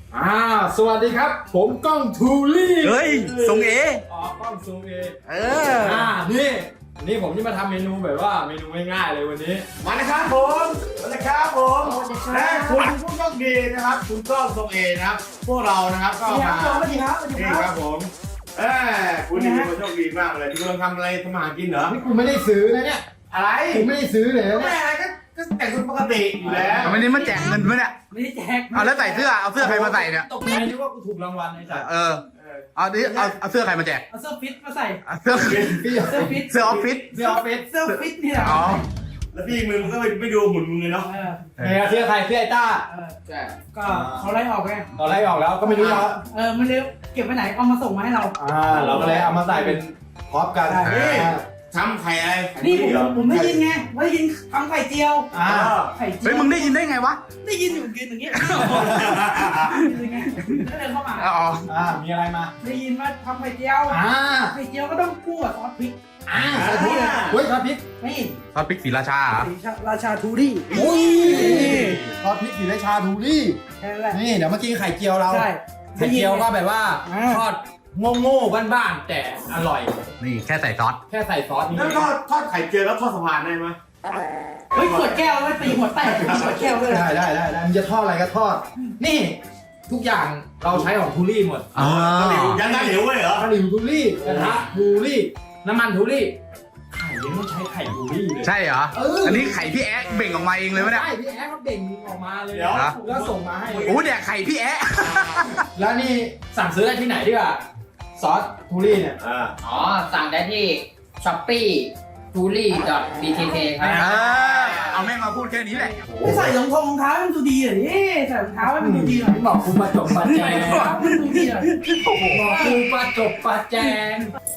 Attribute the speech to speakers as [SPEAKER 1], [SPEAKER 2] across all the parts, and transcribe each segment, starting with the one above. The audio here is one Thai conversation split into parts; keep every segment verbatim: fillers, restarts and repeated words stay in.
[SPEAKER 1] อ่าสวัสดีครับผมก้องทูลี่
[SPEAKER 2] เฮ้ยทรงเอ
[SPEAKER 1] อ๋อกล้องซูมเอ
[SPEAKER 2] เออ
[SPEAKER 1] อ่านี่นี่ผมจะมาทำเมนูแบบว่าเมนูง่ายๆเลยวันนี้
[SPEAKER 3] มานะครับผมมานะครับผมและคุณผู้โชคดีนะครับคุณก้องทรงเอนะครับพวกเรานะครับก็มา
[SPEAKER 4] สวัสดีครับสวัสดี
[SPEAKER 3] นี่
[SPEAKER 4] ค
[SPEAKER 3] ค
[SPEAKER 4] รั
[SPEAKER 3] รั
[SPEAKER 4] บบ
[SPEAKER 3] ผมเออคุณนี่เป็นคนโชคดีมากเลยที่กำลังทำอะไรทำอาหารกินเหรอ
[SPEAKER 1] นี่กูไม่ได้ซื้อนะเนี่ย
[SPEAKER 3] อะไร
[SPEAKER 1] กูไม่ได้ซื้อเลยนะ
[SPEAKER 3] ไม่
[SPEAKER 1] เนี่ย
[SPEAKER 3] อะไรก็ก็แต่งตัวปกติอยู่แล้ว
[SPEAKER 2] ทำไมนี่มาแจกเงินมั้ยเนี่ย
[SPEAKER 4] ไม่ได้แจก
[SPEAKER 2] เอาแล้วใส่เสื้อเอาเสื้อใครมาใส่เนี่ย
[SPEAKER 1] ตกใจนึกว่ากูถูกรางวัลไอ้สัส
[SPEAKER 2] เออเอาดิเอาเอาเสื้อใครมาแจก
[SPEAKER 4] เอาเสื้อฟิตมาใส่
[SPEAKER 2] เอาเสื้อ
[SPEAKER 1] พี่
[SPEAKER 4] เสื้อฟิต
[SPEAKER 2] เสื้อออฟฟิศ
[SPEAKER 1] เสื้อออฟฟิศ
[SPEAKER 4] เสื้อฟิตนี่แหละ
[SPEAKER 2] อ๋อ
[SPEAKER 3] แล้วพี่มึงก็ไม่ดูหุ่นมึงเลยเนาะ
[SPEAKER 4] เออ
[SPEAKER 1] เนี่ยเสื้อใครเสื้อไอ้ต้า
[SPEAKER 4] เออ
[SPEAKER 1] ใช่
[SPEAKER 4] ก็เขาไล่ออกไง
[SPEAKER 1] ตอนไล่ออกแล้วก็ไม่รู้จะ
[SPEAKER 4] เออไม่รู้เก็บไว้ไหนเอามาส่งมาให้เรา
[SPEAKER 1] อ่าเราก็เลยเอามาใส่เป็นพร็อพกัน
[SPEAKER 4] ได้
[SPEAKER 1] อ่า
[SPEAKER 3] ทำไข่อะไรไข่
[SPEAKER 4] นี่ผม
[SPEAKER 3] เหรอ
[SPEAKER 4] ผมได้ยินไงว่าได้ยินทำไข่เจียว
[SPEAKER 1] อ่า
[SPEAKER 4] ไข่เจี
[SPEAKER 2] เฮ้ยมึงได้ยินได้ไงวะ
[SPEAKER 4] ได้ยินอยู่กินอย่างเงี้ยได้ยินไงก็เดินเข้ามา
[SPEAKER 2] อ๋อ
[SPEAKER 1] อ่ามีอะไรมา
[SPEAKER 4] ได้ยินว่าทำไข่เจียว
[SPEAKER 1] อ่า
[SPEAKER 4] ไข่เจียวก็ต้องคู่กับซอสพริก
[SPEAKER 1] อ่าใส่พริกเลยเฮ้ยทอดพริก
[SPEAKER 4] นี่
[SPEAKER 2] ซอสพริกศรีราชาเหรอ
[SPEAKER 4] ราชาทูรี่
[SPEAKER 1] โอ้ยทอดพริกสีราชาทูรี่
[SPEAKER 4] แค่นั้นแหละ
[SPEAKER 1] นี่เดี๋ยวมากินไข่เจียวเรา
[SPEAKER 4] ใช่
[SPEAKER 1] ไข่เจียวก็แบบว่า
[SPEAKER 4] อ่า
[SPEAKER 1] ทอดโง่ๆบ้านๆแต่อร่อย
[SPEAKER 2] นี่แค่ใส่ซอส
[SPEAKER 1] แค่ใส่ซอสนี่
[SPEAKER 3] แล้วทอดทอดไข่เจียวแล้วทอดสะพานได้ไหม
[SPEAKER 4] เฮ้ยขวดแก้วไม่ตีหัวแตกขวดแก้วด้วย
[SPEAKER 1] ได้ได้ได้ได้มึงจะทอดอะไรก็ทอด นี่ ทุกอย่างเราใช้ของทูรี่หมด
[SPEAKER 2] อ๋อ
[SPEAKER 3] ยันน้ำเหลวเลยเหรอ
[SPEAKER 1] ตะหลิวทูรี่กระทะทูรี่น้ำมันทูรี่ไข่ยังไม่ใช้ไข่ทูรี่เลย
[SPEAKER 2] ใช่เหรอ
[SPEAKER 1] เออ
[SPEAKER 2] อันนี้ไข่พี่แอ๊ะเบ่งออกมาเองเลยไหมเนี่ย
[SPEAKER 1] ใช่พี่แอ๊เขาเบ่งออกมาเลย
[SPEAKER 3] เดี๋ยว
[SPEAKER 1] แล้วส่งมาให้
[SPEAKER 2] โอ้เนี่ยไข่พี่แอ๊ะ
[SPEAKER 1] แล้วนี่สั่งซื้อได้ที่ไหนดีกว่าซอสทูรี่เนี่ย
[SPEAKER 3] อ่า
[SPEAKER 5] อ๋อ สั่งได้ที่ ช้อปปี้ ทูรี่ ดอท บี ที เค ครับ
[SPEAKER 2] เออเอาแม่งมาพูดแค่นี้แหละ
[SPEAKER 4] ไม่ใส่รองเท้ารองเท้าให้มันดูดีหน่อยดิใส่รองเท้าให้มันดูดีหน่อย
[SPEAKER 1] บอกคุณมาจบปัจแจ
[SPEAKER 4] ใส่รองเท้าให้มันดูดีหน่อย
[SPEAKER 1] บอกคุณมาจบปัจแจง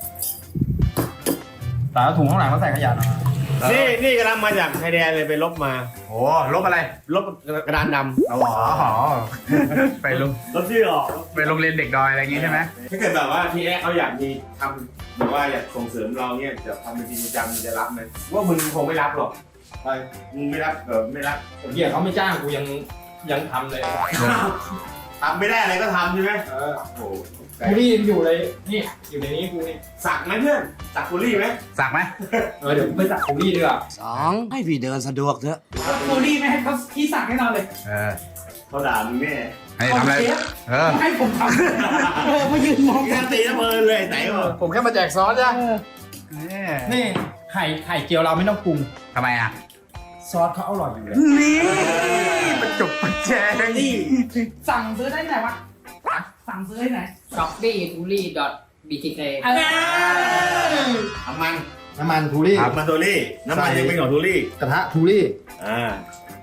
[SPEAKER 1] แต่ถุงข้างหลังเขาใส่ขยะนะ
[SPEAKER 3] นี่นี่กำลังมาจากชายแดนเลยไปลบมา
[SPEAKER 2] โอ้ลบอะไร
[SPEAKER 3] ลบกระดานด
[SPEAKER 2] อ๋อไปลง
[SPEAKER 3] ำลบที่ออก
[SPEAKER 2] ไปโรงเรียนเด็กดอยอะไรอย่างงี้ใช่ไหม
[SPEAKER 3] ถ้าเกิดแบบว่าพี่แอ๊เขาอยากมีทำหรือว่าอยากส่งเสริมเราเนี่ยจะทำเป็นจริงจังมึงจะรับไหมว่ามึงคงไม่รับหรอก
[SPEAKER 1] ไป
[SPEAKER 3] มึงไม่รับเออไม่รับ
[SPEAKER 1] เหี้ยเขาไม่จ้างกูยังยังทำเลย
[SPEAKER 3] ทำไม่ได้อะไรก็ทำใช่ไหม
[SPEAKER 1] เออ
[SPEAKER 3] โอ้โห
[SPEAKER 1] กูนี่อยู่เลยนี่อยู่ในนี้กูนี่
[SPEAKER 3] สักไหมเพื่อนสักกุลี่ไหม
[SPEAKER 2] สักไหม
[SPEAKER 1] เออเดี๋ยวกูไปสักกูนี่ดีกว่า
[SPEAKER 6] สองให้พี่เดินสะดวกเถอะ
[SPEAKER 4] ทูรี่ไม่ให้เขาที่สั่งให้เราเลย
[SPEAKER 2] เออ
[SPEAKER 3] เขาด่ามึงแน่
[SPEAKER 2] ให้ทำอะไร
[SPEAKER 4] เชฟ
[SPEAKER 2] เออ
[SPEAKER 4] ให้ผมทำเออมายืนมอง
[SPEAKER 3] การตีระเบิดเลยไหนวะ
[SPEAKER 1] ผมแค่มาแจกซอสจ้ะ
[SPEAKER 4] เออ
[SPEAKER 1] นี่ไข่ไข่เจียวเราไม่ต้องปรุง
[SPEAKER 2] ทำไมอ่ะ
[SPEAKER 1] ซอสเขาอร่อยอยู่แล้ว
[SPEAKER 2] นี่ประจบประแจง
[SPEAKER 4] นี่สั่งซื้อได้ที่ไหนวะสั่งซื้อได้ไหน
[SPEAKER 5] ช้อปปี้ ทูรี่ ดอท บี ที เค
[SPEAKER 4] เออ
[SPEAKER 3] น้ำมัน
[SPEAKER 1] น้ำมันทูรี่
[SPEAKER 3] น้ำมันทูรี่น้ำมันยังเป็นของทูรี่
[SPEAKER 1] กระทะทูรี่
[SPEAKER 3] อ่า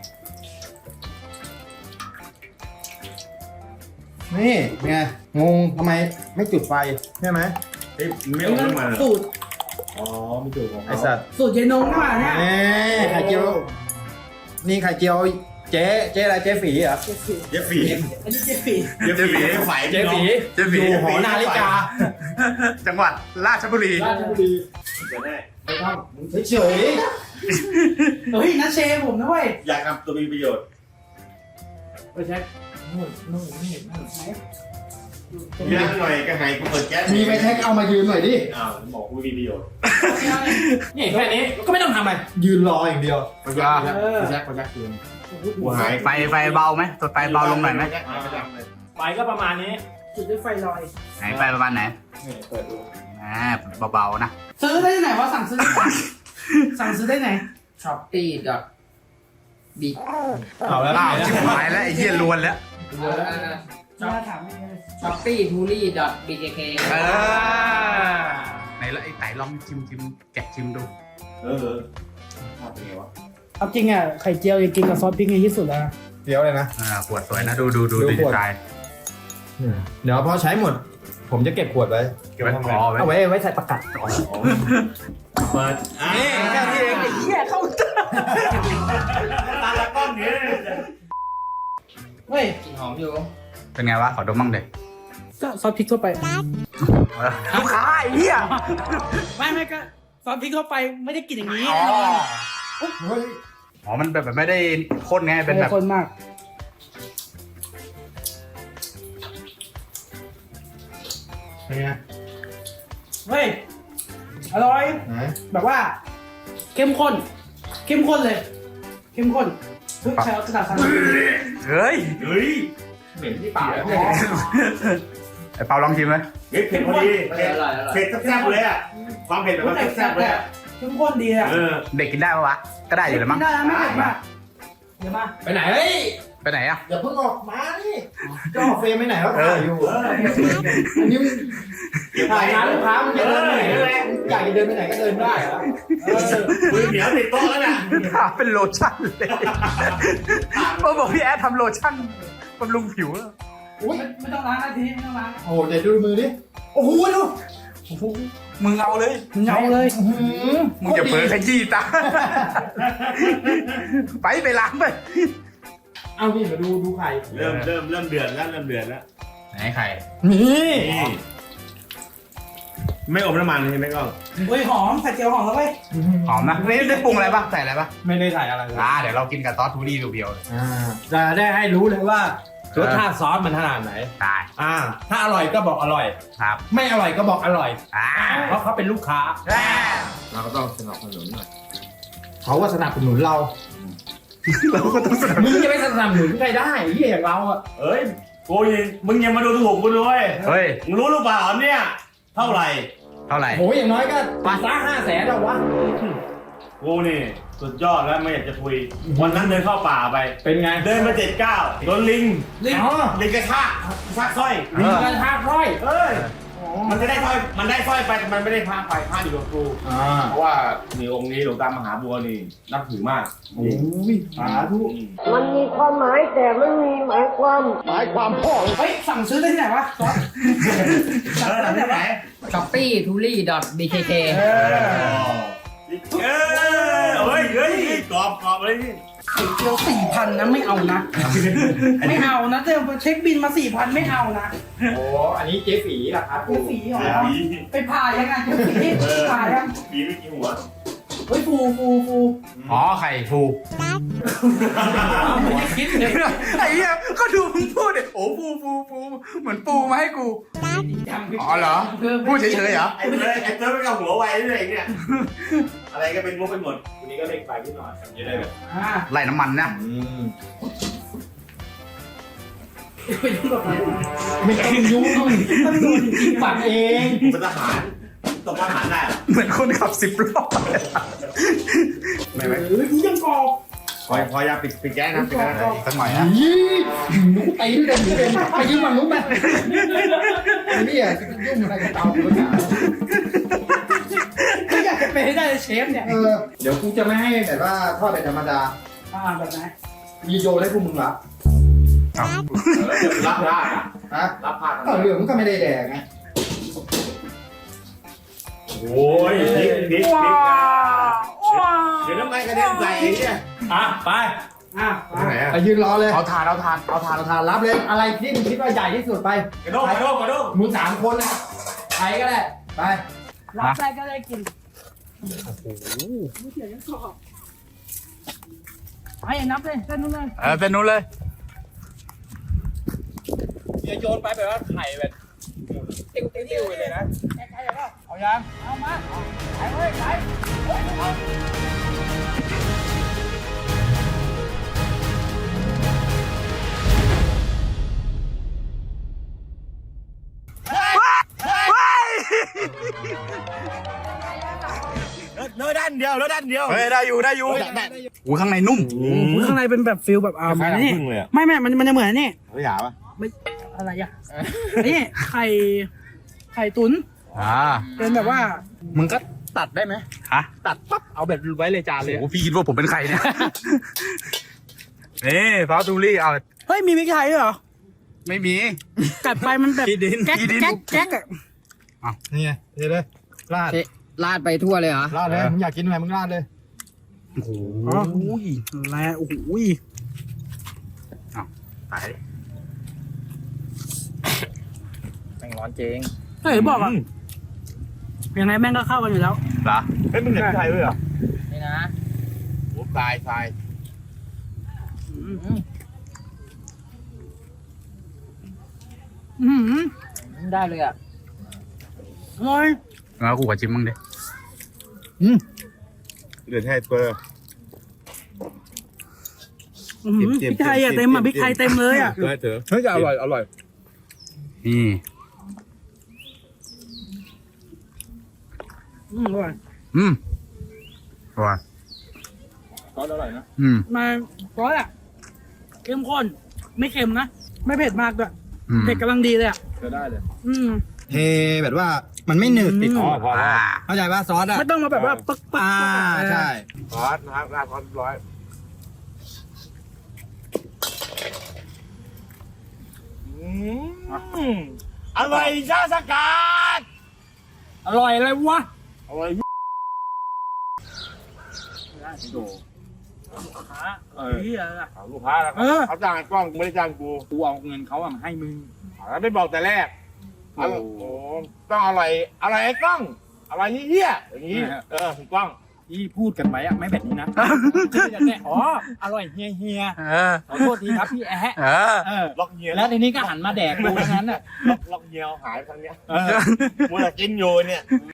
[SPEAKER 1] นี่ไงงงทำไมไม่จุดไฟใช่ไหม
[SPEAKER 3] เฮ้ยไม่เอาน้ำมันเหรอ
[SPEAKER 4] สูตร
[SPEAKER 3] อ๋อไม่ถูกของ
[SPEAKER 1] ไอ
[SPEAKER 3] เขา
[SPEAKER 1] สัตว์
[SPEAKER 4] สูตรเยนงนี่หว่าเนี่ย
[SPEAKER 1] นี่ไข่เจียวนี่ไข่เจียวเจ๊เจ๊อะไรเจ๊ฝีเหรอ
[SPEAKER 4] เจฟฟี่
[SPEAKER 3] เย็บฝี
[SPEAKER 4] อันนี้เจฟฟี่
[SPEAKER 3] เย็บฝีให้ฝ่าย
[SPEAKER 1] เจ๊ฝี
[SPEAKER 2] เจ๊ฝี
[SPEAKER 1] อยู่หอนาฬิกา
[SPEAKER 2] จังหวัดราชบุรี
[SPEAKER 1] ราชบุรี
[SPEAKER 3] จะได้
[SPEAKER 1] ไปทำมึงเฉย
[SPEAKER 4] เฮ้ยนัชเชผมนะเว้ย
[SPEAKER 3] อยากทำตัวมีประโยชน์
[SPEAKER 1] ๆไปเช็คนู่นนู่นนี่นู่น
[SPEAKER 3] มีน้ำหน่อยก็หายกูเปิดแก๊ส
[SPEAKER 1] มีไปเช็คเอามายืนหน่อยดิ
[SPEAKER 3] อ้าวบอกกูมีประโยชน์
[SPEAKER 1] นี่แค่นี้ก็ไม่ต้องทำอะไรยืนรออย่างเดียว
[SPEAKER 3] ไปแก๊สไปแก๊สไปแก๊สคืนกูหาย
[SPEAKER 2] ไฟไฟเบาไหมตัวไฟเบาลงหน่อยไหม
[SPEAKER 1] ไฟก็ประมาณนี้
[SPEAKER 4] จุดด้วยไฟลอย
[SPEAKER 2] ไหนไฟประมาณไหน
[SPEAKER 1] นี่เปิดดู
[SPEAKER 2] อ่าเบาๆนะ
[SPEAKER 4] ซื้อได้ที่ไหนวะสั่งซื้อได้ไหนสั่งซื้อได้ไหน
[SPEAKER 5] ช้อปปี้ ดอท บี
[SPEAKER 1] เอาแล้ว
[SPEAKER 2] อ้าวชิบหายแล้วไอ้เหี้ยลวนแล้ว
[SPEAKER 4] มาถามไม่ได้
[SPEAKER 5] ช้อปปี้ ทูรี่ ดอท บี ที เค
[SPEAKER 2] เออไหนละไอ้ไต่ลองชิมชิมแกะชิมดู
[SPEAKER 3] เออชอบเป็นไงวะ
[SPEAKER 4] เอาจริงอ่ะไข่เจียวยังกินกับซอสพริกในที่สุดแล้ว
[SPEAKER 1] เดี๋ยวเลยนะ
[SPEAKER 2] อ่าขวดสวยนะดูดูดู
[SPEAKER 1] ดู
[SPEAKER 2] ดี
[SPEAKER 1] ขวด
[SPEAKER 2] ไซน์
[SPEAKER 1] เดี๋ยวพอใช้หมด ผมจะเก็บขวดไว้
[SPEAKER 3] เก็บไว้ทำไม
[SPEAKER 2] อ๋อไว้
[SPEAKER 1] เอาไว้ไว้ใส่ประกัด
[SPEAKER 3] เปิดอ่า
[SPEAKER 2] แค่นี้เอง
[SPEAKER 4] ไอ้เหี้ยเข้า
[SPEAKER 3] ตาละก้อนนี้
[SPEAKER 4] เฮ้ย
[SPEAKER 5] กลิ่นหอมอยู่
[SPEAKER 2] เป็นไงวะขอดมบ้างเด็ก
[SPEAKER 4] ก็ซอสพริกทั่วไป
[SPEAKER 2] ลูกค้าไอ้เหี้ย
[SPEAKER 4] ไม่ไม่ก็ซอสพริกทั่วไปไม่ได้กินอย่างนี้
[SPEAKER 2] อ๋อ
[SPEAKER 1] เฮ้ย
[SPEAKER 2] อ๋อมันแบบไม่ได้ข้นไงเป็นแบบ
[SPEAKER 4] คนมาก
[SPEAKER 3] เป็นไง
[SPEAKER 4] เฮ้ยอร่อย
[SPEAKER 3] ไหน
[SPEAKER 4] แบบว่า เข้มข้น เข้มข้นเลย เข้มข้นเฮ้ยใช้เอากระดาษซัน
[SPEAKER 2] เฮ้ย
[SPEAKER 3] เฮ้ย
[SPEAKER 1] เหม็นที่ปากเลย
[SPEAKER 2] ไอ้เปาลองชิมไหม
[SPEAKER 3] เฮ้ยเผ็ดพอดี
[SPEAKER 5] อ
[SPEAKER 3] เผ็ด
[SPEAKER 5] ร่อยอร่อย
[SPEAKER 3] เผ็ดแซ่บๆเลยอ่ะความเผ็ดแบบว่าแซ่บๆเลยอะ
[SPEAKER 4] เข้มข้นดีอ่ะ
[SPEAKER 3] เออ
[SPEAKER 2] เด็กกินได้ปะวะก็ได้อยู่แหละมั้ง
[SPEAKER 4] ได้แล้วไม่เผ็ดมากเดี๋ยวมา
[SPEAKER 1] ไปไหนเฮ้ย
[SPEAKER 2] ไปไหนอะ
[SPEAKER 1] อย่าเพิ่งออกมานี่ก็ออกเฟรมไปไหนแล้วถ่ายอยู่
[SPEAKER 3] เออ
[SPEAKER 1] อันนี้มึงถ่ายงานลูกค้ามึงจะเดินไปไหนก็ได้อยากจะเดินไปไหนก็เดินได้เหรอเออ
[SPEAKER 3] มือเหนียวติดโต๊ะแล้วน่ะ
[SPEAKER 2] ถามเป็นโลชั่นเลยมาบอกพี่แอดทำโลชั่นบำรุงผิวอะ
[SPEAKER 1] อุ้ย
[SPEAKER 4] ไม่ไม่ต้องล้างนะทีนี้ไม่ต้องล้าง
[SPEAKER 1] โอ้โหเดี๋ยวดูมือดิโอ้โหดู
[SPEAKER 2] มึงเอาเลย
[SPEAKER 4] เหงาเลย
[SPEAKER 1] อื้อหือ
[SPEAKER 2] มึงจะเผลอขยี้ตา ไปไปล้างไป
[SPEAKER 1] เอาพี่มาดูดูไข่
[SPEAKER 3] เริ่มเริ่มเริ่มเดือดแล้วเริ่มเดือดแล้ว
[SPEAKER 2] ไหนไข่
[SPEAKER 1] นี่
[SPEAKER 3] นี่ไม่อมน้ำมันใช่ไหมกล้อง
[SPEAKER 4] เฮ้ยหอมใส่เจียวหอมแล้วเว้ย
[SPEAKER 2] หอมนะนี่ได้ปรุงอะไรปะใส่อะไรปะ
[SPEAKER 1] ไม่ได้ใส่อะไรเลย
[SPEAKER 2] อ่าเดี๋ยวเรากินกับซอสทูรี่เบียวๆเลย
[SPEAKER 1] อ่าจะได้ให้รู้เลยว่ารสชาติซอสมันขนาดไหน
[SPEAKER 2] ได้
[SPEAKER 1] อ่า ถ้าอร่อยก็บอกอร่อย
[SPEAKER 2] ครับ
[SPEAKER 1] ไม่อร่อยก็บอกอร่อย
[SPEAKER 2] อ่า
[SPEAKER 1] เพราะเขาเป็นลูกค้า
[SPEAKER 6] เราก็ต้องสนับสนุนหน่อย
[SPEAKER 1] เขาก็สนับสนุนเรา
[SPEAKER 2] เราก็ต้องสนับ
[SPEAKER 1] มึงจะไม่สนับสนุนใครได้เหี้ยอย่างเราอ่ะ
[SPEAKER 3] เอ้ยกูยังมึงยังมาดูถูกกูด้วย
[SPEAKER 2] เฮ้ย
[SPEAKER 3] มึงรู้หรือเปล่าเนี่ย เท่าไหร่
[SPEAKER 2] เท่าไหร่
[SPEAKER 1] โหอย่างน้อยก็ปาซ่าห้าแสนแล้ววะ
[SPEAKER 3] กูนี่สุดยอดแล้วไม่อยากจะคุย วันนั้นเดินเข้าป่าไป
[SPEAKER 1] เป็นไง
[SPEAKER 3] เดินมาเจ็ดเก้าโดนลิง
[SPEAKER 1] ลิงอ๋อ
[SPEAKER 3] ลิงกระชากกระชากสร้อย
[SPEAKER 1] ลิงกันทากร้อย
[SPEAKER 3] เอ้ยมันจะได้สร้อยมันได้สร้อยไปแต่มันไม่ได้พาไปพาอยู่กับครู
[SPEAKER 1] อ่า
[SPEAKER 3] เพราะว่านี่องค์นี้หลวงตามหาบัวนี่นับถือมาก
[SPEAKER 1] โอ้ยสาธุ
[SPEAKER 7] มันมีความหมายแต่ไม่มีหมายความ
[SPEAKER 1] หมายความพ่อ
[SPEAKER 4] เฮ้ยสั่งซื้อได้ที่ไหนวะซอส
[SPEAKER 3] เออที่ไหน
[SPEAKER 5] ช้อปปี้ทูรี่ดอทบีเคเค
[SPEAKER 3] เออเออเฮ้ยเฮ้ยกรอบกรอบเลยนี่
[SPEAKER 4] ไข่เจียวสี่พันนะไม่เอานะ ไม่เอานะเดี๋ยวเช็คบินมาสี่พันไม่เอานะ
[SPEAKER 1] โอ้อันนี้เจ๊ฝีเหรอครับ
[SPEAKER 4] เจ๊ฝีเหรอ
[SPEAKER 3] ผี
[SPEAKER 4] ไปผ่ายังไงเจ๊ฝีผ่ายัง
[SPEAKER 3] ผีไม่กี่หัว
[SPEAKER 4] เฮ้ยฟูฟูฟู
[SPEAKER 2] อ๋อไข่ฟู
[SPEAKER 4] ไม่ได้คิดเลย
[SPEAKER 2] ไอ้เหี้ยก็ดูมึงพูดดิโอ้ฟูฟูฟูเหมือนปูมาให้กู อ๋อเหรอ พูดเฉยๆเหรอ
[SPEAKER 3] ไอ้เต้ยไอ้เต้ยไม่กับหัวไวด้วยเนี่ย อะไรก็เป็นมุกไปหมดวันนี้ก็เล็กไปนิดหน่อยจะได้แบบ
[SPEAKER 4] อ่า
[SPEAKER 2] ไล่น้ำมันนะ
[SPEAKER 1] อืม
[SPEAKER 4] ไปยุ่งกับมัน
[SPEAKER 1] ไม่ต้องยุ่งต้องดูจริงๆปัดเอง
[SPEAKER 3] เป็นทหารตกทหารได้เหรอ
[SPEAKER 2] เหมือนคนขับสิบล้อ
[SPEAKER 3] ไม่ไหม
[SPEAKER 4] เฮ้ยกูยังกรอบ
[SPEAKER 3] พอพอยาปิดปิดแก๊สนะปิดแก๊สนะ
[SPEAKER 2] สักหน่อยนะ
[SPEAKER 1] ยี่หนูตีด้วยกันอยู่เลยไปยืมมันรู้ไหมนี่อ่ะยุ่งอะไรกับเตากูเนี่ย
[SPEAKER 4] ไม่อยากจะเป็นให้ได้เลยเชฟเนี่ย
[SPEAKER 1] เออเดี๋ยวกูจะไม่ให้แบบว่าทอดเป็นธรรมดา
[SPEAKER 4] อ่าแบบไหน
[SPEAKER 1] มีโยนให้พวกมึงรับ
[SPEAKER 3] รับผ้า
[SPEAKER 1] ฮะ
[SPEAKER 3] รับผ้า
[SPEAKER 1] ก็เหลืองก็ไม่ได้แดกไง
[SPEAKER 3] โอ้ยพริกพริกพริก
[SPEAKER 2] ว้าว
[SPEAKER 3] เดี๋ยวน้ำมันกระเด็นใส่เนี่ย
[SPEAKER 1] อ่ะไป
[SPEAKER 4] อ่า
[SPEAKER 3] ไหนอะ
[SPEAKER 1] ไปยืนรอเลย
[SPEAKER 2] เอาทานเอาทานเอาทาน
[SPEAKER 1] เอาทานรับเลยอะไรที่มึงคิดว่าใหญ่ที่สุดไป
[SPEAKER 3] กระโดดกระโดดกระโดด
[SPEAKER 1] มึงสามคนนะใครก็ได้ไป
[SPEAKER 4] รับได้ก็ได้กิน
[SPEAKER 2] โอ้โห
[SPEAKER 4] ไม่เสียยังกรอบไอ้นับเลยเส้นนู้นเลย
[SPEAKER 2] เออเป็นนู้นเลย
[SPEAKER 1] อย่าโยนไปแบบว่าไข่แบบติ้วติ้วเลยนะ
[SPEAKER 4] ใกล้ๆแล้วเอายังเอามาไปเว้ยไปเฮ้ยเอา
[SPEAKER 3] แล้วด้านเดียวแล้วด้านเดียว
[SPEAKER 2] เฮ้ยได้อยู่ได้อยู่อุ้ยข้างในนุ่ม
[SPEAKER 4] ข้างในเป็นแบบฟิลแบบอ่า
[SPEAKER 3] คล้ายๆ
[SPEAKER 4] นี่
[SPEAKER 3] น้ำผึ้งเลยอะ
[SPEAKER 4] ไม่ไม่มันมันจะเหมือนนี่
[SPEAKER 3] ไม่หยาบปะ
[SPEAKER 4] ไม่อะไรอ่ะนี่ไข่ไข่ตุ๋น
[SPEAKER 2] อ่า
[SPEAKER 4] เป็นแบบว่า
[SPEAKER 1] มึงก็ตัดได้ไหม
[SPEAKER 2] ฮะ
[SPEAKER 1] ตัดปั๊บเอาแบบไว้เลยจานเลย
[SPEAKER 2] โอ้พี่คิดว่าผมเป็นใครเนี่ย นี่ฟาตูรี่เอา
[SPEAKER 4] เฮ้ยมีพริกไทยด้วยเหรอ
[SPEAKER 2] ไม่มี
[SPEAKER 4] กัดไปมันแบบ
[SPEAKER 1] ขี้ดิน
[SPEAKER 4] แก๊ก
[SPEAKER 2] ขี้ดิน
[SPEAKER 4] แก๊กแก๊กอ่ะ
[SPEAKER 1] นี่ไงเดี๋ยวเลยราด
[SPEAKER 5] ลาดไปทั่วเลยเหรอ
[SPEAKER 1] ราดเลยมึงอยากกินอะไรมึงราดเลย
[SPEAKER 2] โอ้โห
[SPEAKER 4] อ๋ออุ้ยแล้วโอ้โห
[SPEAKER 2] ตาย
[SPEAKER 1] แม่งร้อนเจง
[SPEAKER 4] เฮ้ยบอกอ่ะยังไงแม่งก็เข้ากันอยู่แล้ว
[SPEAKER 2] เหรอ
[SPEAKER 3] เฮ้ยมึงเห็นไทยด้วยเหรอ
[SPEAKER 5] นี่นะ
[SPEAKER 2] โอ้ตายตาย
[SPEAKER 4] อืม
[SPEAKER 5] ได้เลยอ่ะ
[SPEAKER 4] อร่อย
[SPEAKER 2] แล้วกูขอชิมมั่งดิ
[SPEAKER 3] เดือดให้เปอร์
[SPEAKER 4] อื้อหือพริกไทยอ่ะเต็มอ่ะพริกไทยเต็มเลยอ่ะ
[SPEAKER 3] ได้เถอะ
[SPEAKER 6] เฮ้ยจะอร่อยอร่อย
[SPEAKER 2] นี่
[SPEAKER 4] อืมอร่อย
[SPEAKER 2] อืมอร่อย
[SPEAKER 6] ซอสอร่อยนะ
[SPEAKER 2] อืม
[SPEAKER 4] มาซอสอ่ะเข้มข้นไม่เค็มนะไม่เผ็ดมากด้วย
[SPEAKER 2] อืม
[SPEAKER 4] เผ็ดกำลังดีเลยอ่ะ
[SPEAKER 6] จะได้เลย
[SPEAKER 4] อืม
[SPEAKER 1] เทแบบว่ามันไม่หนืดติดคอ
[SPEAKER 3] พอแล้ว
[SPEAKER 1] เข้าใจป่ะซอสอ่ะ
[SPEAKER 4] ไม่ต้องมาแบบว่าปึ๊กปึ๊ก
[SPEAKER 1] อ่า
[SPEAKER 4] ปึ๊ก
[SPEAKER 1] ใช่
[SPEAKER 3] ซอสนะครับราดซอสร้อยอร่อยชาสกัด
[SPEAKER 4] อร่อยเลยวะ
[SPEAKER 3] อร่อย
[SPEAKER 6] โด
[SPEAKER 4] ขาเออเหี้ยอะ
[SPEAKER 3] ลูกค้าแล้ว
[SPEAKER 4] เออ
[SPEAKER 3] เขาจ้างกล้องไม่ได้จ้างกู
[SPEAKER 6] กูเอาเงินเขาอะมาให้มึง
[SPEAKER 3] แล้วไม่บอกแต่แรก
[SPEAKER 6] โอ้
[SPEAKER 3] โอ้โหต้องอร่อยอร่อยไอ้กล้องอร่อยเฮี้ยๆอย่างนี้ เออถูกต้อง
[SPEAKER 6] ที่พูดกันไว้อะไม่แบบนี้นะจะแน่อ๋ออร่อยเฮียเฮีย
[SPEAKER 2] เออ
[SPEAKER 6] ขอโทษทีครับพี่แอะ
[SPEAKER 2] เออ
[SPEAKER 6] เออ
[SPEAKER 3] ล็อกเฮีย
[SPEAKER 6] แล้วทีนี้ก็หันมาแดกกูทั้งนั้นอ่ะ
[SPEAKER 3] ล็อกล็อกเฮียหายไปทางเนี้ย
[SPEAKER 6] เออ
[SPEAKER 3] มัวแต่กินอยู่เนี่ย